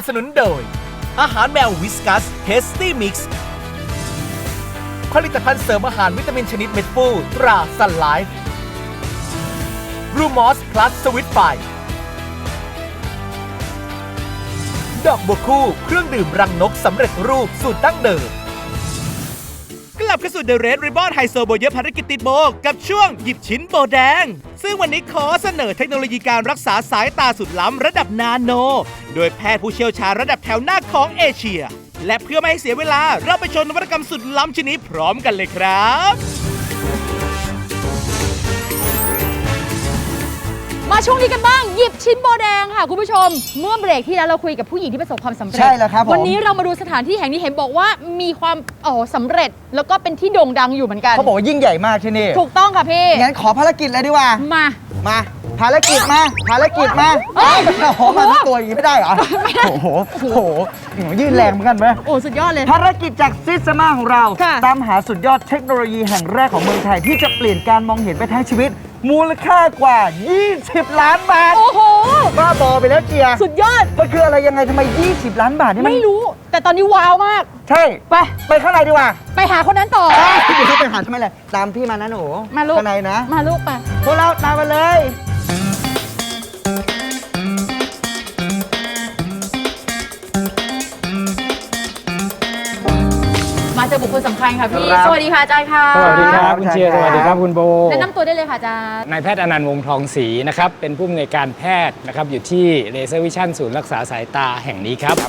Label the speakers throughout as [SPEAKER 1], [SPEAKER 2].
[SPEAKER 1] สนุนโดยอาหารแมววิสกัสเทสตี้มิกซ์ผลิตภัณฑ์เสริมอาหารวิตามินชนิดเม็ดฟูตราซันไลฟ์รูมอสพลัสสวิตไฟดอกบัวคู่เครื่องดื่มรังนกสำเร็จรูปสูตรดั้งเดิมกลับเข้าสู่ The Red Ribbon ไฮโซโบเยอะภารกิจติดโบกับช่วงหยิบชิ้นโบแดงซึ่งวันนี้ขอเสนอเทคโนโลยีการรักษาสายตาสุดล้ำระดับนาโนโดยแพทย์ผู้เชี่ยวชาญระดับแถวหน้าของเอเชียและเพื่อไม่ให้เสียเวลาเราไปชมนวัตกรรมสุดล้ำชิ้นนี้พร้อมกันเลยครับ
[SPEAKER 2] มาช่วงนี้กันบ้างหยิบชิ้นโบแดงค่ะคุณผู้ชมเมื่อเบรกที่แล้วเราคุยกับผู้หญิงที่ประสบความสำเร็จ
[SPEAKER 3] ใช่แล้วครับผม
[SPEAKER 2] วันนี้เรามาดูสถานที่แห่งนี้เห็นบอกว่ามีความสำเร็จแล้วก็เป็นที่โด่งดังอยู่เหมือนกัน
[SPEAKER 3] เขาบอกว่ายิ่งใหญ่มากที่นี่
[SPEAKER 2] ถูกต้องค่ะพี่
[SPEAKER 3] งั้นขอภารกิจเลยดีกว่า
[SPEAKER 2] มา
[SPEAKER 3] ภารกิจมาโอ้โหมาทั้งตัวอย่างนี้ไม่ได้เหรอโอ้โหยื่นแรงเหมือนกันไหม
[SPEAKER 2] โอ้สุดยอดเลย
[SPEAKER 3] ภารกิจจากซิสมาของเรา
[SPEAKER 2] ค่ะ
[SPEAKER 3] ตามหาสุดยอดเทคโนโลยีแห่งแรกของเมืองไทยที่จะเปลี่ยนการมองเห็นไปทั้งชีวิต มูลค่ากว่า 20 ล้านบาท
[SPEAKER 2] โอ้โห
[SPEAKER 3] บ้าบอไปแล้วเจีย
[SPEAKER 2] สุดยอด
[SPEAKER 3] มันคืออะไรยังไงทำไม 20 ล้านบาทนี่มัน
[SPEAKER 2] ไม่รู้ แต่ตอนนี้ว้าวมาก
[SPEAKER 3] ใช่ไปข้างในดีกว่า
[SPEAKER 2] ไปหาคนนั้นต่อ
[SPEAKER 3] เดี๋ยวเขาไปหาทำไมล่ะตามพี่มานะหนู
[SPEAKER 2] มาลูก
[SPEAKER 3] ข้างในนะ
[SPEAKER 2] มาลูกไป
[SPEAKER 3] พวกเราตามมาเลย
[SPEAKER 2] มาเจอบุคคลสำคัญค่ะพี่
[SPEAKER 3] ครับ
[SPEAKER 2] สวัสดีค่ะอาจารย์ค่ะ
[SPEAKER 4] สวัสดีครับคุณเชียร์
[SPEAKER 3] ค
[SPEAKER 4] ส
[SPEAKER 3] รับ
[SPEAKER 4] วัสดีครับคุณโบ
[SPEAKER 2] แนะนำตัวได้เลยค่ะอาจารย์
[SPEAKER 4] นายแพทย์อนันต์วงศ์ทองศรีนะครับเป็นผู้อำนวยการแพทย์นะครับอยู่ที่เลเซอร์วิชั่นศูนย์รักษาสายตาแห่งนี้ครับ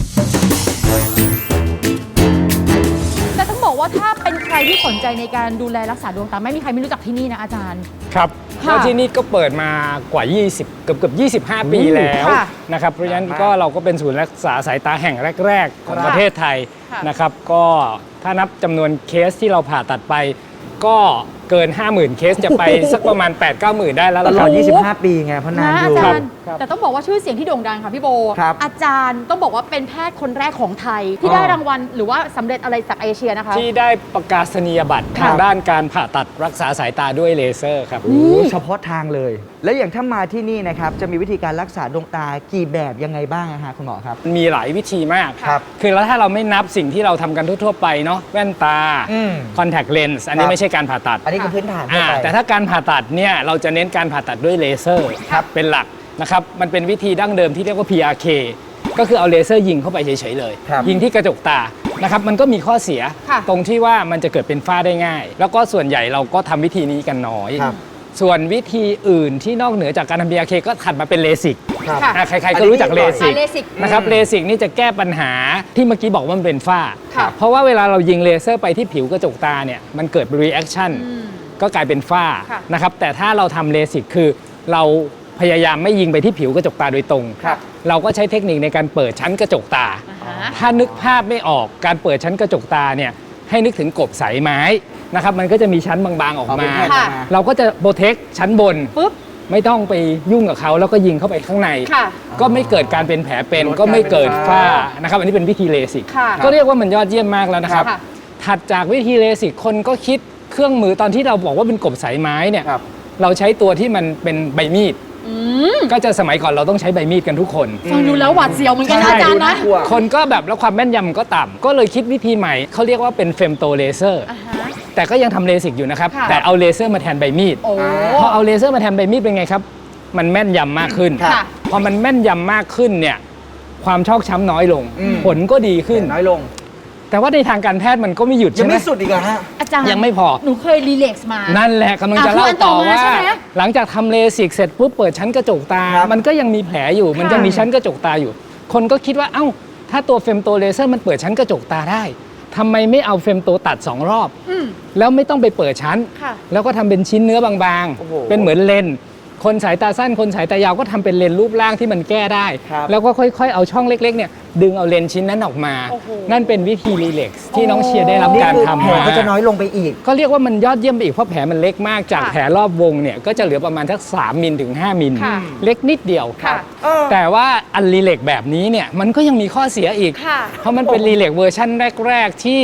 [SPEAKER 2] แต่ต้องบอกว่าถ้าเป็นใครที่สนใจในการดูแลรักษาดวงตาไม่มีใครไม่รู้จักที่นี่นะอาจารย์
[SPEAKER 4] ครับ
[SPEAKER 2] ค่ะ
[SPEAKER 4] แล้วที่นี่ก็เปิดมากว่า 20 เกือบ25 ปีแล้ว
[SPEAKER 2] ค่ะ
[SPEAKER 4] นะครับเพราะฉะนั้นก็เราก็เป็นศูนย์รักษาสายตาแห่งแรก ๆ ของประเทศไทย
[SPEAKER 2] ค่ะ
[SPEAKER 4] นะครับก็ถ้านับจำนวนเคสที่เราผ่าตัดไป ก็เกิน 50,000 เคสจะไป สักประมาณ 8-9,000 ได้แล้ว
[SPEAKER 3] ต
[SPEAKER 4] ล่ะ
[SPEAKER 3] ล
[SPEAKER 4] ค
[SPEAKER 3] อ
[SPEAKER 4] รั
[SPEAKER 3] ด
[SPEAKER 4] บ
[SPEAKER 3] 25 ปีไงเพราะนาน
[SPEAKER 2] นะ
[SPEAKER 3] อ
[SPEAKER 2] อา
[SPEAKER 3] ยู่
[SPEAKER 2] จารย์
[SPEAKER 4] ครับ
[SPEAKER 2] แต่ต้องบอกว่าชื่อเสียงที่โด่งดังค่ะพี่โบ
[SPEAKER 3] ครับ
[SPEAKER 2] อาจารย์ต้องบอกว่าเป็นแพทย์คนแรกของไทย ที่ได้รางวัลหรือว่าสำเร็จอะไรจากเอเชียนะคะ
[SPEAKER 4] ที่ได้ประกาศนียบัตร
[SPEAKER 2] ค่ะ
[SPEAKER 4] ทางด้านการผ่าตัดรักษาสายตาด้วยเลเซอร์ครับ
[SPEAKER 3] โอ้เฉพาะทางเลย แล้วอย่างถ้ามาที่นี่นะครับจะมีวิธีการรักษาดวงตากี่แบบยังไงบ้างอะฮะคุณหมอครับ
[SPEAKER 4] มีหลายวิธีมาก
[SPEAKER 3] ครับ
[SPEAKER 4] คือแล้วถ้าเราไม่นับสิ่งที่เราทำกันทั่วๆไปเนาะแว่นตา
[SPEAKER 3] อืม
[SPEAKER 4] คอนแทคเลนส์อันนี้
[SPEAKER 3] ครับ
[SPEAKER 4] ไม่ใช่การผ่าตัด
[SPEAKER 3] อันนี้คือพื้นฐานทั่วไป
[SPEAKER 4] แต่ถ้าการผ่าตัดเนี่ยเราจะเน้นการผ่าตัดด้วยเลเซอร์
[SPEAKER 3] ครับ
[SPEAKER 4] เป็นหลักนะครับมันเป็นวิธีดั้งเดิมที่เรียกว่า PRK ก็คือเอาเลเซอร์ยิงเข้าไปเฉยๆเลย
[SPEAKER 3] ครับ
[SPEAKER 4] ยิงที่กระจกตานะครับมันก็มีข้อเสีย
[SPEAKER 2] ค่ะ
[SPEAKER 4] ตรงที่ว่ามันจะเกิดเป็นฝ้าได้ง่าย แล้วก็ส่วนใหญ่เราก็ทำวิธีนี้กันน้อย
[SPEAKER 3] ครับ
[SPEAKER 4] ส่วนวิธีอื่นที่นอกเหนือจากการทำ PRK ก็ถัดมาเป็นเลสิก
[SPEAKER 3] ครับ
[SPEAKER 2] ค่ะ
[SPEAKER 4] ใครๆก็รู้จักเลสิก
[SPEAKER 2] เลสิก
[SPEAKER 4] นะครับเลสิกนี่จะแก้ปัญหาที่เมื่อกี้บอกว่ามันเป็นฝ้า
[SPEAKER 2] ค่ะ
[SPEAKER 4] เพราะว่าเวลาเรายิงเลเซอร์ไปที่ผิวกระจกตาเนี่ยมันเกิด reaction ก็กลายเป็นฝ้า
[SPEAKER 2] ค่ะ
[SPEAKER 4] นะครับแต่ถ้าเราทำเลสิกคือเราพยายามไม่ยิงไปที่ผิวกระจกตาโดยตรง
[SPEAKER 3] ครับ
[SPEAKER 4] เราก็ใช้เทคนิคในการเปิดชั้นกระจกตา
[SPEAKER 2] อ่าฮะ
[SPEAKER 4] ถ้านึกภาพไม่ออกการเปิดชั้นกระจกตาเนี่ยให้นึกถึงกบสายไม้นะครับมันก็จะมีชั้นบางๆออก
[SPEAKER 3] เอาเป็
[SPEAKER 4] มา
[SPEAKER 3] นแผ่นออกมา
[SPEAKER 4] เราก็จะโปรเทคชั้นบน
[SPEAKER 2] ปุ๊บ
[SPEAKER 4] ไม่ต้องไปยุ่งกับเขาแล้วก็ยิงเข้าไปข้างใน
[SPEAKER 2] ค่ะ
[SPEAKER 4] ก็ไม่เกิดการเป็นแผลเป็น
[SPEAKER 3] ลดการ
[SPEAKER 4] ก็ไม่เกิด
[SPEAKER 3] เป็น
[SPEAKER 4] ฝ้า
[SPEAKER 3] ฝ้า
[SPEAKER 4] นะครับอันนี้เป็นวิธีเลสิก
[SPEAKER 2] ค่ะ
[SPEAKER 4] ก็เรียกว่ามันยอดเยี่ยมมากแล้วนะครับ
[SPEAKER 2] ค่ะ
[SPEAKER 4] ถัดจากวิธีเลสิกคนก็คิดเครื่องมือตอนที่เราบอกว่าเป็นกบสายไม้เนี่ย
[SPEAKER 3] ครับ
[SPEAKER 4] เราใช้ตัวที่มันเป็นใบมีด
[SPEAKER 2] อืม
[SPEAKER 4] ก็จะสมัยก่อนเราต้องใช้ใบมีดกันทุกคน
[SPEAKER 2] ฟังดูแล้วหวาดเสียวเหมือนกันนะ
[SPEAKER 3] ใช่
[SPEAKER 2] อาจารย์นะ
[SPEAKER 3] กลัว
[SPEAKER 4] คนก็แบบแล้วความแม่นยำก็ต่ำก็เลยคิดวิธีใหม่เขาเรียกว่าเป็นเฟมโตเลเซอร์
[SPEAKER 2] อ่าฮะ
[SPEAKER 4] แต่ก็ยังทำเลสิกอยู่นะครับ
[SPEAKER 2] ค่ะ
[SPEAKER 4] แต่เอาเลเซอร์มาแทนใบมีด
[SPEAKER 2] โอ้
[SPEAKER 4] พอเอาเลเซอร์มาแทนใบมีดเป็นไงครับ มันแม่นยำมากขึ้น
[SPEAKER 2] ค่ะ
[SPEAKER 4] พอมันแม่นยำมากขึ้นเนี่ยความชอกช้ำน้อยลง
[SPEAKER 3] อืม
[SPEAKER 4] ผลก็ดีขึ้น
[SPEAKER 3] น้อยลง
[SPEAKER 4] แต่ว่าในทางการแพทย์มันก็ไม่หยุด
[SPEAKER 3] ยั
[SPEAKER 4] ใช่
[SPEAKER 3] ง
[SPEAKER 4] ไหม
[SPEAKER 3] ไม่สุดอีกเหรอฮะ
[SPEAKER 2] อาจารย์
[SPEAKER 4] ยังไม่พอ
[SPEAKER 2] หนูเคยรีเลกซ์มา
[SPEAKER 4] นั่นแหละกำลังจะ
[SPEAKER 2] อ่ะ
[SPEAKER 4] เล่า
[SPEAKER 2] คืออันต่
[SPEAKER 4] ต่
[SPEAKER 2] อ
[SPEAKER 4] อ
[SPEAKER 2] มา
[SPEAKER 4] ว่า
[SPEAKER 2] ใช่ไหม
[SPEAKER 4] หลังจากทำเลสิกเสร็จปุ๊บเปิดชั้นกระจกตา
[SPEAKER 3] ครับ
[SPEAKER 4] มันก็ยังมีแผลอยู่ มันยังมีชั้นกระจกตาอยู่ คนก็คิดว่าเอ้าถ้าตัวเฟมโตเลเซอร์มันเปิดชั้นกระจกตาได้ทำไมไม่เอาเฟมโตตัด2 รอบ
[SPEAKER 2] อืม
[SPEAKER 4] แล้วไม่ต้องไปเปิดชั้น
[SPEAKER 2] ค่ะ
[SPEAKER 4] แล้วก็ทำเป็นชิ้นเนื้อบาง
[SPEAKER 3] โอ้โห
[SPEAKER 4] ๆ เป็นเหมือนเลนส์คนสายตาสั้นคนสายตายาวก็ทำเป็นเลนส์รูปร่างที่มันแก้ได้
[SPEAKER 3] ครับ
[SPEAKER 4] แล้วก็ค่อยๆ เอาช่องเล็กๆเนี่ยดึงเอาเลนส์ชิ้นนั้นออกมา
[SPEAKER 2] โอ้โห
[SPEAKER 4] นั่นเป็นวิธีรีเลกซ์ที่น้องเชียร์ได้รับ
[SPEAKER 3] นี่
[SPEAKER 4] การ
[SPEAKER 3] คือ
[SPEAKER 4] ทำ
[SPEAKER 3] แผล
[SPEAKER 4] มา
[SPEAKER 3] ก็จะน้อยลงไปอีก
[SPEAKER 4] ก็เรียกว่ามันยอดเยี่ยมไปอีกเพราะแผลมันเล็กมากจาก
[SPEAKER 2] ค่ะ
[SPEAKER 4] แผลรอบวงเนี่ยก็จะเหลือประมาณสัก3 มิลถึง 5 มิล
[SPEAKER 2] ค่ะ
[SPEAKER 4] เล็กนิดเดียว
[SPEAKER 2] ค่ะ
[SPEAKER 4] แต่ว่าอันรีเลกแบบนี้เนี่ยมันก็ยังมีข้อเสียอีก
[SPEAKER 2] ค่ะ
[SPEAKER 4] เพราะมันเป็นรีเลกเวอร์ชันแรก ๆ ที่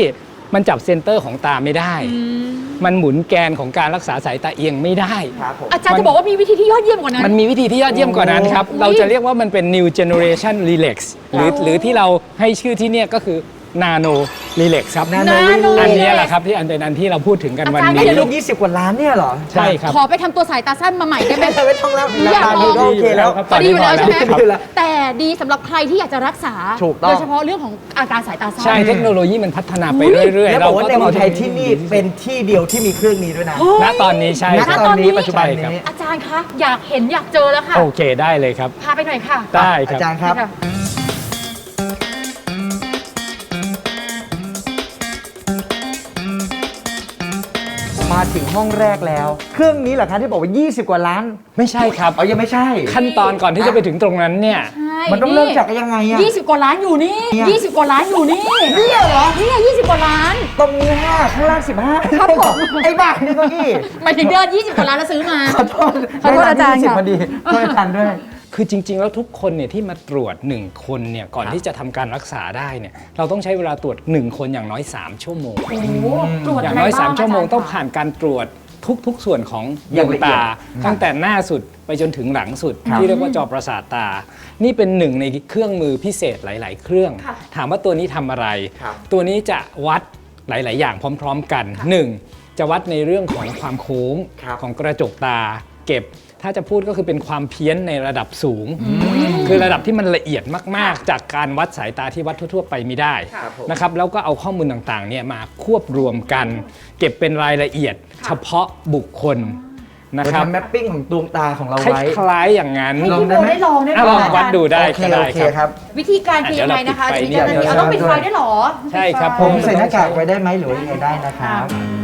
[SPEAKER 4] มันจับเซนเตอร์ของตาไม่ได้ มันหมุนแกนของการรักษาสายตาเอียงไม่ได้
[SPEAKER 3] ครับผม
[SPEAKER 2] อาจารย์จะบอกว่ามีวิธีที่ยอดเยี่ยมกว่านั้น
[SPEAKER 4] มันมีวิธีที่ยอดเยี่ยมกว่านั้นครับ เราจะเรียกว่ามันเป็น new generation relax หรือที่เราให้ชื่อที่เนี่ยก็คือ nano relax ครับ
[SPEAKER 3] Nano
[SPEAKER 2] Relax
[SPEAKER 4] อันเนี้ยแหละครับที่เป็นอันที่เราพูดถึงกันวัน
[SPEAKER 2] อาจารย์
[SPEAKER 4] นี้
[SPEAKER 3] ไอ้ลูก20 กว่าล้านเนี่ยเหรอ
[SPEAKER 4] ใช่ครับ
[SPEAKER 2] ขอไปทำตัวสายตาสั้นมาใหม่ได้ไหม
[SPEAKER 3] ไม่ต้องแล้ว
[SPEAKER 2] อยาก
[SPEAKER 3] ราคา
[SPEAKER 2] ล
[SPEAKER 3] ดี
[SPEAKER 2] อง
[SPEAKER 3] ก็โอเคแล้ว
[SPEAKER 4] ครับ
[SPEAKER 2] ตอนนี้อยู่แล้วใช่ไหม
[SPEAKER 3] ดีอยู่แล้ว
[SPEAKER 2] แต่ดีสำหรับใครที่อยากจะรักษา
[SPEAKER 3] ถูกต้อง
[SPEAKER 2] โดยเฉพาะเรื่องของอาการสายตาสั้น
[SPEAKER 4] ใช่เทคโนโลยีมันพัฒนาไปเรื่อยๆ
[SPEAKER 3] แล้วบอกว่าใน
[SPEAKER 4] ต้
[SPEAKER 3] เมืองไทย
[SPEAKER 4] า
[SPEAKER 3] ที่นี่เป็นที่เดียวที่มีเครื่องนี้ด้วยนะ
[SPEAKER 4] ณตอนนี้ใช่
[SPEAKER 3] ณ
[SPEAKER 4] ครับ
[SPEAKER 3] ตอนนี้
[SPEAKER 2] ณตอนนี้
[SPEAKER 3] ปัจจุบัน
[SPEAKER 4] ใช่ครับ
[SPEAKER 3] นี้
[SPEAKER 2] อาจารย์คะอยากเห็นอยากเจอแล้วค่ะ
[SPEAKER 4] โอเคได้เลยครับ
[SPEAKER 2] พาไปหน่อยค่ะ
[SPEAKER 4] ได้ค
[SPEAKER 3] อา
[SPEAKER 4] รับ
[SPEAKER 3] จารย์ครับ
[SPEAKER 2] ค่ะ
[SPEAKER 3] มาถึงห้องแรกแล้ว เครื่องนี้เหรอคะที่บอกว่า 20 กว่าล้าน
[SPEAKER 4] ไม่ใช่ครับ
[SPEAKER 3] อ๋อยังไม่ใช่
[SPEAKER 4] ขั้นตอนก่อนที่จะไปถึงตรงนั้นเนี่ย
[SPEAKER 2] ใช่
[SPEAKER 3] มันต้องเริ่มจากยังไงอะ
[SPEAKER 2] 20 กว่าล้านอยู่นี่
[SPEAKER 3] เนี่ย
[SPEAKER 2] 20 กว่าล้านอยู่นี่
[SPEAKER 3] เนี่ยเหรอ
[SPEAKER 2] เนี่ย20 กว่าล้าน
[SPEAKER 3] ตรงนี้5ข้างล่าง15
[SPEAKER 2] ครับผม
[SPEAKER 3] ไอ้บ้านี่เก็อี้
[SPEAKER 2] หมายถึงเดิน20 กว่าล้านแล้วซื้อมา
[SPEAKER 3] ขอโทษ
[SPEAKER 2] ขอโทษอาจารย์ค่ะ
[SPEAKER 3] 20พอดีโทษอาจารย์ด้วย
[SPEAKER 4] คือจริง ๆ แล้วทุกคนเนี่ยที่มาตรวจ 1 คนเนี่ยก่อนที่จะทำการรักษาได้เนี่ยเราต้องใช้เวลาตรวจ 1 คนอย่างน้อย 3 ชั่วโมง
[SPEAKER 2] โอ้โหตรวจ
[SPEAKER 4] อย่างน้อย
[SPEAKER 2] ะไรบ้
[SPEAKER 4] 3 ชั่วโมง
[SPEAKER 2] าจารย์
[SPEAKER 4] ต้องผ่านการตรวจทุกส่วนของด
[SPEAKER 3] อย่าง
[SPEAKER 4] วง
[SPEAKER 3] ละเอียด
[SPEAKER 4] ตา ตั้งแต่หน้าสุดไปจนถึงหลังสุด
[SPEAKER 3] ครับ
[SPEAKER 4] ที่เรียกว่าจอประสาทตา นี่เป็นหนึ่งในเครื่องมือพิเศษหลาย ๆ เครื่อง
[SPEAKER 2] ค่ะ
[SPEAKER 4] ถามว่าตัวนี้ทำอะไร
[SPEAKER 3] ครับ
[SPEAKER 4] ตัวนี้จะวัดหลาย ๆ อย่างพร้อม ๆ กัน 1. จะวัดในเรื่องของความโค้ง
[SPEAKER 3] ครับ
[SPEAKER 4] ของกระจกตา เก็บถ้าจะพูดก็คือเป็นความเพี้ยนในระดับสูง คือระดับที่มันละเอียดมาก ๆ จากการวัดสายตาที่วัดทั่ว ๆ ไปไม่ได้
[SPEAKER 3] ครับผม
[SPEAKER 4] นะครับแล้วก็เอาข้อมูลต่าง ๆ เนี่ยมาควบรวมกัน เก็บเป็นรายละเอียด เฉพาะบุคคลนะ
[SPEAKER 3] เรา
[SPEAKER 4] ครับ
[SPEAKER 3] ทำแมปปิ้งของดวงตาของเรา
[SPEAKER 4] ค
[SPEAKER 3] ไว้
[SPEAKER 4] ล้ายๆอย่างนั้น
[SPEAKER 2] ให้พี่โบได้ลองได้ไหม
[SPEAKER 4] ลอง
[SPEAKER 2] อา
[SPEAKER 4] วั
[SPEAKER 2] จา
[SPEAKER 4] ด
[SPEAKER 2] รย์
[SPEAKER 4] ดูได้
[SPEAKER 3] โอเค
[SPEAKER 4] ก็ได้
[SPEAKER 3] โอเค
[SPEAKER 4] ครับ
[SPEAKER 3] ครับ
[SPEAKER 2] วิธีการคือยังไงนะคะ
[SPEAKER 4] เดี๋
[SPEAKER 2] จะ
[SPEAKER 4] ยว
[SPEAKER 2] มี
[SPEAKER 4] เรา
[SPEAKER 2] เจ้าหน้าที่เอาต้อง
[SPEAKER 3] ปิ
[SPEAKER 2] ปิ
[SPEAKER 3] ด
[SPEAKER 2] ด
[SPEAKER 3] ไฟ
[SPEAKER 2] ไฟด้วยเหรอ
[SPEAKER 4] ใช่ครับ
[SPEAKER 3] ผมใส่หน้ากากไว้ได้ไหมหรือว่ายังไงได้นะครับ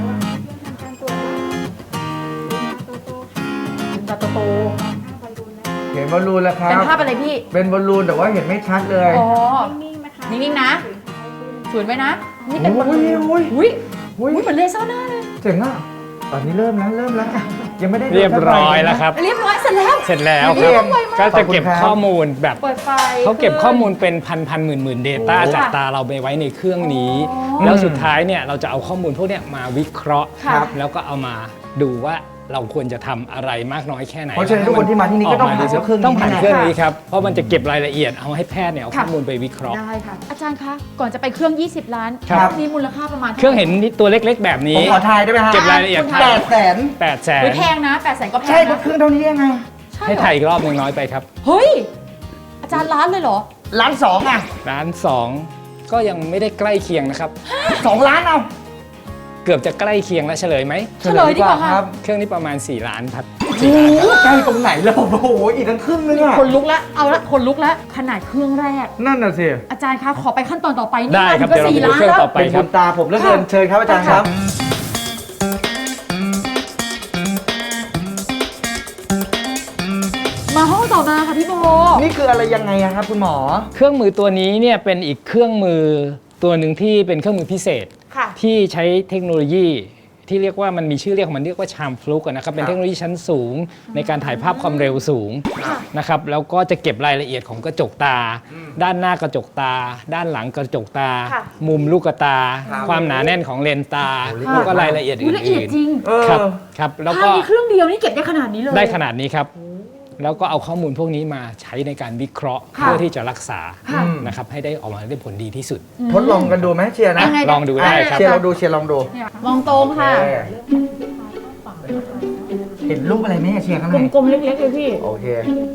[SPEAKER 2] ตาโต
[SPEAKER 3] เห็นบอลลูนแล้วค
[SPEAKER 2] ๆ
[SPEAKER 3] รั
[SPEAKER 2] เป็น
[SPEAKER 3] บ
[SPEAKER 2] ภาพอะไรพี่
[SPEAKER 3] เป็นบอลลูนแต่ว่าเห็นไม่ชัดเลย
[SPEAKER 2] อ๋อ นิ่งๆนะสวยไหมนะ นี่เป็นบอลลูน
[SPEAKER 3] โอ้ย
[SPEAKER 2] อุ้ย
[SPEAKER 3] โอ้ย
[SPEAKER 2] อุ้ยเหมือนเลเซอร์หน้าเลย
[SPEAKER 3] เจ๋งอ่ะตอนนี้เริ่มแล้วยังไม่ได้
[SPEAKER 4] เรียบร้อยแล้วครับ
[SPEAKER 2] เรียบร้อยเสร็จแล้ว
[SPEAKER 4] เสร็จแล้ว
[SPEAKER 3] เยี่
[SPEAKER 4] ครั
[SPEAKER 3] ย
[SPEAKER 4] บ
[SPEAKER 3] ม
[SPEAKER 4] ก็จะเก็บ
[SPEAKER 3] ขอบคุณครับ
[SPEAKER 4] ข้อมูลแบบ
[SPEAKER 2] เปิดไฟ
[SPEAKER 4] เขาเก็บข้อมูลเป็นพันหมื่น Data
[SPEAKER 2] โอ้
[SPEAKER 4] จากตาเราไปไว้ในเครื่องนี้ แล้วสุดท้ายเนี่ยเราจะเอาข้อมูลพวกเนี้ยมาวิเคราะห์
[SPEAKER 2] ครับ
[SPEAKER 4] แล้วก็เอามาดูว่าเราควรจะทำอะไรมากน้อยแค่ไหน
[SPEAKER 3] เพราะฉะนั้นทุกคนที่มาที่นี่ก็ต้องผ่าน
[SPEAKER 4] ดีสุด
[SPEAKER 3] เครื่องนี้
[SPEAKER 4] ต้องผ่าน
[SPEAKER 3] แน่
[SPEAKER 4] เครื่องนี้ครับ เพราะมันจะเก็บรายละเอียดเอาให้แพทย์เนี่ยเอา
[SPEAKER 2] ค่ะ
[SPEAKER 4] ข้อมูลไปวิเคราะห์
[SPEAKER 2] ได้ค่ะ อาจารย์คะ ก่อนจะไปเครื่อง 20 ล้าน
[SPEAKER 4] ครับ
[SPEAKER 2] นี้มูลค่าประมาณ
[SPEAKER 4] เครื่องเห็นตัวเล็กๆ แบบ
[SPEAKER 3] ผ
[SPEAKER 4] นี้
[SPEAKER 3] มขอทายได้ไหมฮะ
[SPEAKER 4] เก็บรายละเอียด
[SPEAKER 2] คุณ
[SPEAKER 3] 800,000
[SPEAKER 4] 800,000
[SPEAKER 2] อุ๊ยแพงนะ800,000ก็แพง
[SPEAKER 3] ใช่
[SPEAKER 2] นะ
[SPEAKER 3] เครื่องเท่านี้ยังไง
[SPEAKER 2] ใช่
[SPEAKER 4] ให้
[SPEAKER 2] เหรอ
[SPEAKER 4] ถ่ายอีกรอบหนึ่งน้อยไปครับ
[SPEAKER 2] เฮ้ย อาจารย์ล้านเลยเหรอ
[SPEAKER 3] ล้านสองอ่ะ
[SPEAKER 4] ล้านสองก็ยังไม่ได้ใกล้เคียงนะครับ
[SPEAKER 3] 2 ล้านเอา
[SPEAKER 4] เกือบจะใกล้เคียงแล้วเฉลยไหม
[SPEAKER 2] เฉลยดีกว่าค่ะ
[SPEAKER 4] เครื่องนี้ประมาณ 4 ล้านครับ
[SPEAKER 3] โอ้โหใกล้ตรงไหนแล้วโอ้โหอีกทั้งครึ่งนึงอ่ะ
[SPEAKER 2] คนลุกแล้ว เอาละคนลุกแล้ว ขนาดเครื่องแรก
[SPEAKER 3] นั่นน่ะสิ
[SPEAKER 2] อาจารย์คะ ขอไปขั้นตอนต่อไปนี่
[SPEAKER 4] ได้ครับ
[SPEAKER 2] มันก็
[SPEAKER 4] เดี๋ยวเรา
[SPEAKER 2] 4
[SPEAKER 4] ไปดู
[SPEAKER 2] ล้าน
[SPEAKER 4] เครื่อง
[SPEAKER 2] แล้ว
[SPEAKER 4] ต่อไป
[SPEAKER 3] เป็น
[SPEAKER 4] ค
[SPEAKER 3] บุ
[SPEAKER 4] รับ
[SPEAKER 3] ญตาผมเหลือเกินเชิญครับอาจารย์ครับ
[SPEAKER 2] มาห้องต่อมาค่ะพี่โบ
[SPEAKER 3] นี่คืออะไรยังไงอะครับคุณหมอ
[SPEAKER 4] เครื่องมือตัวนี้เนี่ยเป็นอีกเครื่องมือตัวหนึ่งที่เป็นเครื่องมือพิเศษ
[SPEAKER 2] ค่ะ
[SPEAKER 4] ที่ใช้เทคโนโลยีที่เรียกว่ามันมีชื่อเรียกของมันเรียกว่าชามฟลุกนะครับเป็นเทคโนโลยีชั้นสูงในการถ่ายภาพความเร็วสูงนะครับแล้วก็จะเก็บรายละเอียดของกระจกตา ด้านหน้ากระจกตา ด้านหลังกระจกตา
[SPEAKER 2] ค่ะ
[SPEAKER 4] มุมลูกตา
[SPEAKER 3] ครับ
[SPEAKER 4] ความหนาแน่นของเลนส์ตา
[SPEAKER 3] โอ้โห
[SPEAKER 4] แล้วก็รายละเอียด
[SPEAKER 2] อุ๊ยละเอียด
[SPEAKER 4] อื่น
[SPEAKER 2] จริง
[SPEAKER 3] เออ
[SPEAKER 4] ๆครับครับแล้วก็
[SPEAKER 2] ภาพนี้เครื่องเดียวนี่เก็บได้ขนาดนี้เลย
[SPEAKER 4] ได้ขนาดนี้ครับ แล้วก็เอาข้อมูลพวกนี้มาใช้ในการวิเคราะห์
[SPEAKER 2] ค่ะ
[SPEAKER 4] เพื่อที่จะรักษา
[SPEAKER 2] ค่ะ
[SPEAKER 4] นะครับให้ได้ออกมาได้ผลดีที่สุด
[SPEAKER 3] ทดลองกันดูไหมเชียร์นะ
[SPEAKER 2] ยังไง
[SPEAKER 4] ลองดูได้ครับ
[SPEAKER 3] เชียร์ลองดูเชียร์ลองดู
[SPEAKER 2] มองตรงค่ะ
[SPEAKER 3] เห็นรูปอะไรไหมเชียร์ข้างใน
[SPEAKER 2] กลมๆเล็กๆเลยพี่
[SPEAKER 3] โอเค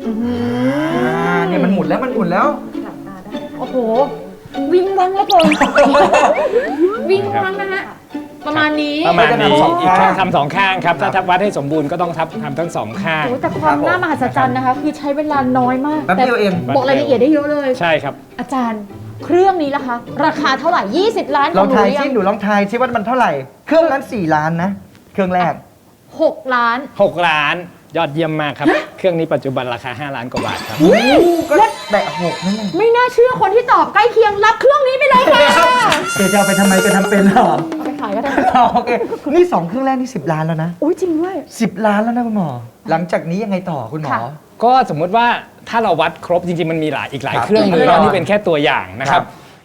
[SPEAKER 3] เนี่ยมันหมุนแล้วมันหมุนแล้ว
[SPEAKER 2] โอ้โห วิ่งวังแล้วเกิน วิ่งวังนะฮะ ประมาณนี้
[SPEAKER 4] ประมาณนี้
[SPEAKER 3] ทำสอง
[SPEAKER 4] อีก
[SPEAKER 3] ข้าง
[SPEAKER 4] ทำสองข้างครับถ้าวัดให้สมบูรณ์ก็ต้องทำทั้งสองข้าง
[SPEAKER 2] โอ้แต่ความน่ามหัศจรรย์นะคะ คือใช้เวลาน้อยมาก
[SPEAKER 3] แป๊บเดียวเอง
[SPEAKER 2] บอกรายละเอียดได้เยอะเลย
[SPEAKER 4] ใช่ครับ
[SPEAKER 2] อาจารย์ เครื่องนี้ล่ะคะ ราคาเท่าไหร่ 20 ล้านข
[SPEAKER 3] ล
[SPEAKER 2] อ
[SPEAKER 3] อง ง
[SPEAKER 2] หนู
[SPEAKER 3] ทาย
[SPEAKER 2] ยั
[SPEAKER 3] ซิ
[SPEAKER 2] ง
[SPEAKER 3] หนูลองทายซิว่ามันเท่าไหร่ เครื่องนั้น4 ล้านนะ เครื่องแรก
[SPEAKER 2] 6 ล้าน
[SPEAKER 4] 6 ล้านยอดเยี่ยมมากครับ เครื่องนี้ปัจจุบันราคา5 ล้านกว่าบาทครับ
[SPEAKER 3] ก็แตะ6นั่นเอง
[SPEAKER 2] ไม่น่าเชื่อคนที่ตอบใกล้เคียงรับเครื่องนี้ไปเลยค่ะ
[SPEAKER 3] เดี๋ยวจะเอาไปทำไมจะทำเป็นเหรอ
[SPEAKER 2] เอาไปขายก็ได้
[SPEAKER 3] โอเค นี่ 2 เครื่องแรกนี่10 ล้านแล้วนะ
[SPEAKER 2] อุ้ยจริงด้วย
[SPEAKER 3] 10 ล้านแล้วนะคุณหมอ หลังจากนี้ยังไงต่อคุณหมอ
[SPEAKER 2] ค่ะ
[SPEAKER 4] ก็สมมุติว่าถ้าเราวัดครบจริงๆมันมีอีกหลาย
[SPEAKER 3] ครับ
[SPEAKER 4] เครื่องมือ
[SPEAKER 3] แน่น
[SPEAKER 4] แล้
[SPEAKER 3] อน
[SPEAKER 4] วนี่เป็นแค่ตัวอย่างนะครับ
[SPEAKER 3] ครับ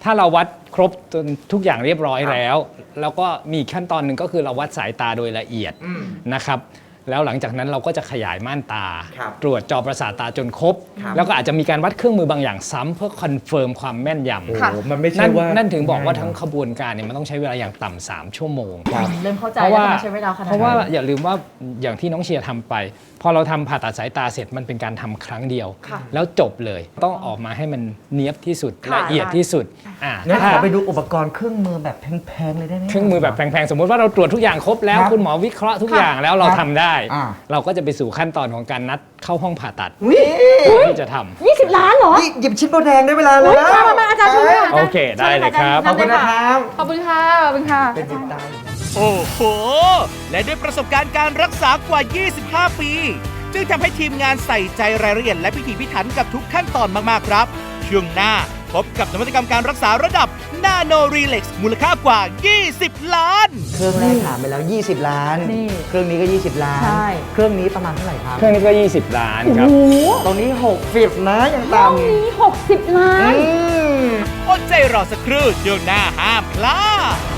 [SPEAKER 4] ถ้าเราวัดครบจนทุกอย่างเรียบร้อยแล้วก็มีขั้นตอนหนึ่งก็คือเราวัดสายตาโดยละเอียดนะครับแล้วหลังจากนั้นเราก็จะขยายม่านตา ตรวจจอประสาทตาจนครบ แล้วก็อาจจะมีการวัดเครื่องมือบางอย่างซ้ำเพื่อคอนเฟิร์มความแม่นยำ
[SPEAKER 2] ค่ะ
[SPEAKER 3] มันไม่ใช่ว่า
[SPEAKER 4] นั่นถึงบอกว่าทั้งขบวนการเนี่ยมันต้องใช้เวลาอย่างต่ำ3 ชั่วโมง
[SPEAKER 2] เริ่มเข้าใจ
[SPEAKER 4] เพราะ
[SPEAKER 2] แล้ว
[SPEAKER 4] ว่า
[SPEAKER 2] ทำไมใช้เวลาขนาด
[SPEAKER 4] เพ
[SPEAKER 2] นั้น
[SPEAKER 4] ราะว่าอย่าลืมว่าอย่างที่น้องเชียร์ทำไป พอเราทำผ่าตัดสายตาเสร็จมันเป็นการทำครั้งเดียว
[SPEAKER 2] ค่ะ
[SPEAKER 4] แล้วจบเลยต้องออกมาให้มันเนียบที่สุด
[SPEAKER 2] ค่ะ
[SPEAKER 4] ละเอียดที่สุด
[SPEAKER 3] งั้นข
[SPEAKER 4] ถ้า
[SPEAKER 3] อไปดูอุปกรณ์เครื่องมือแบบแพงๆเลยได้ไหม
[SPEAKER 4] เครื่องมือแบบแพงๆ สมมุติว่าเราตรวจทุกอย่างครบแล้ว
[SPEAKER 3] ครับ
[SPEAKER 4] คุณหมอวิเคราะห์ทุก
[SPEAKER 2] ค่ะ
[SPEAKER 4] อย่างแล้วเรา
[SPEAKER 3] ครับ
[SPEAKER 4] ทำได้
[SPEAKER 3] อ่า
[SPEAKER 4] เราก็จะไปสู่ขั้นตอนของการนัดเข้าห้องผ่าตัด
[SPEAKER 3] อุ๊ย
[SPEAKER 4] ที่จะทำ
[SPEAKER 2] 20 ล้านเหรอ
[SPEAKER 3] นี่หยิบชิ้นโบแดงได้เวลาแล้
[SPEAKER 2] อุ๊
[SPEAKER 3] วย
[SPEAKER 2] มาอาจารย์ช่วยด้วย
[SPEAKER 4] โอเคได้เลยครับ
[SPEAKER 3] ขอบคุณนะครับ
[SPEAKER 2] ขอบคุณค่ะขอบคุณค่ะ
[SPEAKER 3] เป็นจิตตา
[SPEAKER 1] โอ้โห และด้วยประสบการณ์การรักษากว่า 25 ปี จึงทำให้ทีมงานใส่ใจรายละเอียดและพิถีพิถันกับทุกขั้นตอนมาก ๆ ครับ ช่วงหน้าพบกับนวัตกรรมการรักษาระดับ Nano Relax มูลค่ากว่า 20 ล้าน
[SPEAKER 3] เครื่องแรกถามไปแล้ว 20 ล้าน
[SPEAKER 2] นี่
[SPEAKER 3] เครื่องนี้ก็ 20 ล้าน
[SPEAKER 2] ใช่
[SPEAKER 3] เครื่องนี้ประมาณเท่าไหร่ครับ
[SPEAKER 4] เครื่องนี้ก็ 20 ล้านครับ
[SPEAKER 2] โอ้โห
[SPEAKER 3] ตรงนี้60นะยัง
[SPEAKER 2] ห้อง
[SPEAKER 3] ต่ำ
[SPEAKER 2] นี้ 60 ล้าน
[SPEAKER 1] อดใจรอสักครู่ช่วงหน้าห้ามพลาด